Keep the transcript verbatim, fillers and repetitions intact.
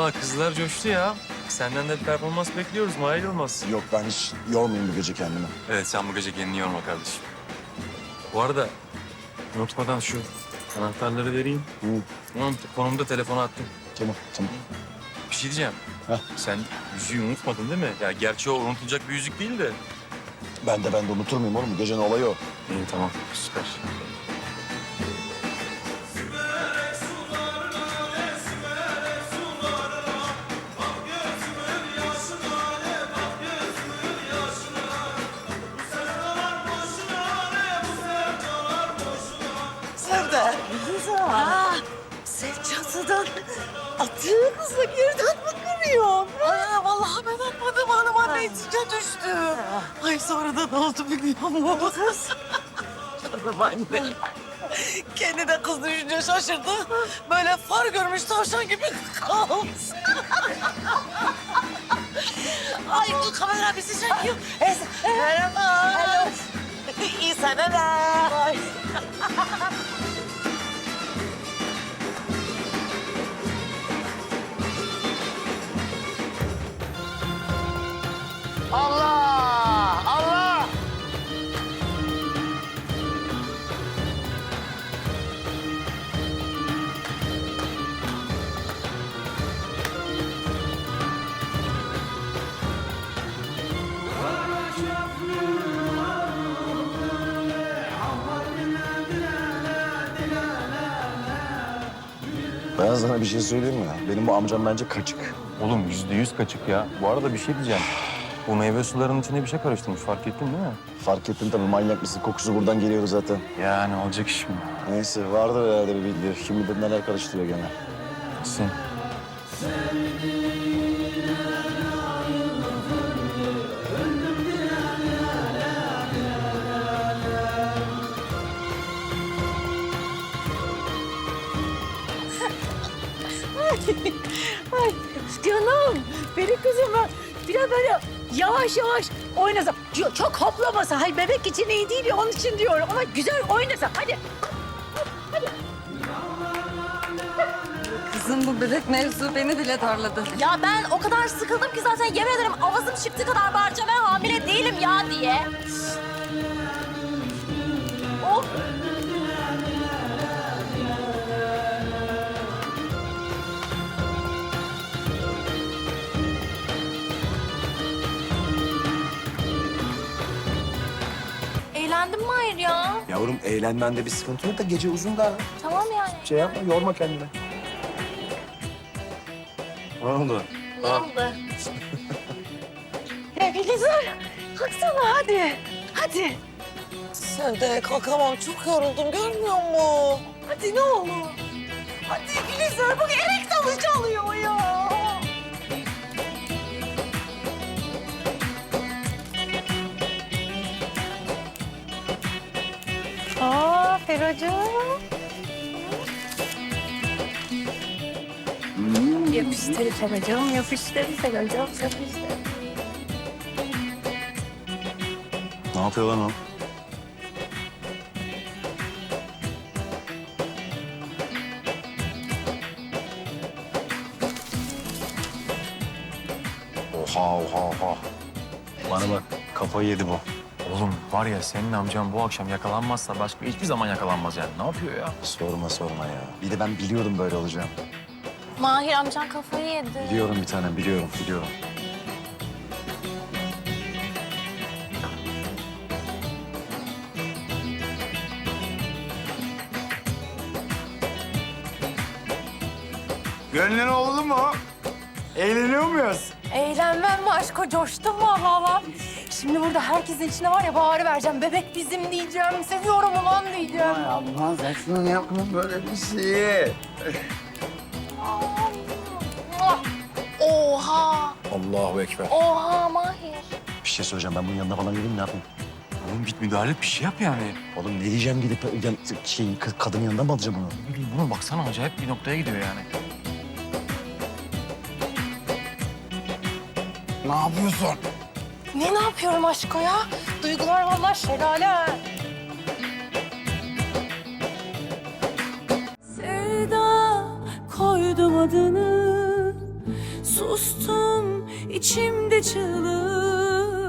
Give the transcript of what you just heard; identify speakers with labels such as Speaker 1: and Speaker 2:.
Speaker 1: Vallahi kızlar coştu ya. Senden de bir performans bekliyoruz Mahir Yılmaz.
Speaker 2: Yok ben hiç yormayayım bu gece kendimi.
Speaker 1: Evet sen bu gece kendini yorma kardeşim. Bu arada unutmadan şu anahtarları vereyim.
Speaker 2: Hı.
Speaker 1: Tamam konumda telefona attım.
Speaker 2: Tamam tamam.
Speaker 1: Bir şey diyeceğim.
Speaker 2: Heh.
Speaker 1: Sen yüzüğü unutmadın değil mi? Ya gerçi o unutulacak bir yüzük değil de.
Speaker 2: Ben de ben de unutur muyum oğlum? Bu gecenin olayı o.
Speaker 1: İyi tamam süper.
Speaker 3: Sevde.
Speaker 4: Aa, sen çatıdan attığın hızla geriden mi kırıyorsun?
Speaker 3: Ay vallahi ben atmadım hanım anne içine düştü. Ay sonra da ne oldu biliyor musun? Canım anne. Kendi de kız düşünce şaşırdı. Böyle far görmüş tavşan gibi kaldı. Ay bu kamera bizi çekiyor. Es- Merhaba. Hello. İyi seneler. Ay. Allah! Allah!
Speaker 2: Ben sana bir şey söyleyeyim mi? Benim bu amcam bence kaçık.
Speaker 1: Oğlum yüzde yüz kaçık ya. Bu arada bir şey diyeceğim. Bu meyve sularının içine bir şey karıştırmış fark ettin değil mi?
Speaker 2: Fark ettin tabii manyak mısın? Kokusu buradan geliyor zaten.
Speaker 1: Yani olacak iş mi?
Speaker 2: Neyse vardır herhalde bir bildiği. Kim bilir neler karıştırıyor gene.
Speaker 1: Sen.
Speaker 4: Ay canım, benim kızım ben biraz böyle yavaş yavaş oynasa. Çok, çok hoplamasa. Hayır bebek için iyi değil ya onun için diyorum ama güzel oynasa. Hadi.
Speaker 5: Kızım bu bebek mevzu beni bile darladı.
Speaker 6: Ya ben o kadar sıkıldım ki zaten yemin ederim avazım çıktı kadar bağıracağım. Ben hamile değilim ya diye. Of. Eğlendim mi hayır ya?
Speaker 2: Yavrum eğlenmende bir sıkıntı yok da gece uzun da.
Speaker 6: Tamam yani.
Speaker 2: Şey yapma yorma kendini. Ne oldu?
Speaker 6: Ne oldu?
Speaker 4: Ya Gülizar, kalksana hadi. Hadi.
Speaker 3: Sevde kalkamam çok yoruldum görmüyor musun?
Speaker 4: Hadi ne olur. Hadi Gülizar bak erek dalı çalıyor ya. Aa Feracığım. Yapıştır Feracığım, yapıştır Feracığım, yapıştır.
Speaker 2: Ne yapıyor lan o? Oha oha oha. Bana bak kafayı yedi bu.
Speaker 1: Oğlum var ya senin amcan bu akşam yakalanmazsa başka hiçbir zaman yakalanmaz yani. Ne yapıyor ya?
Speaker 2: Sorma sorma ya. Bir de ben biliyordum böyle olacağını.
Speaker 6: Mahir amcan kafayı yedi.
Speaker 2: Biliyorum bir tanem biliyorum biliyorum.
Speaker 7: Gönlün oldu mu? Eğleniyor muyuz?
Speaker 6: Eğlenmem mi aşko? Coştum mu valla? Şimdi burada herkesin içine var ya bağırı vereceğim. Bebek bizim diyeceğim. Seviyorum ulan diyeceğim.
Speaker 7: Ay Allah saçını yapma böyle bir şeyi.
Speaker 6: Oha!
Speaker 2: Allahu ekber.
Speaker 6: Oha Mahir.
Speaker 2: Bir şey söyleyeceğim ben bunun yanına falan gideyim ne yapayım?
Speaker 1: Oğlum git müdahale et, bir şey yap yani.
Speaker 2: Oğlum ne diyeceğim gidip yan, şey, kız- kadının yanından mı alacağım onu?
Speaker 1: Ne bileyim buna baksana acayip bir noktaya gidiyor yani.
Speaker 7: Ne yapıyorsun?
Speaker 6: Ne ne yapıyorum aşko ya? Duygular vallahi şelale.
Speaker 5: Sevda koydum adını
Speaker 8: sustum içimde çığlık.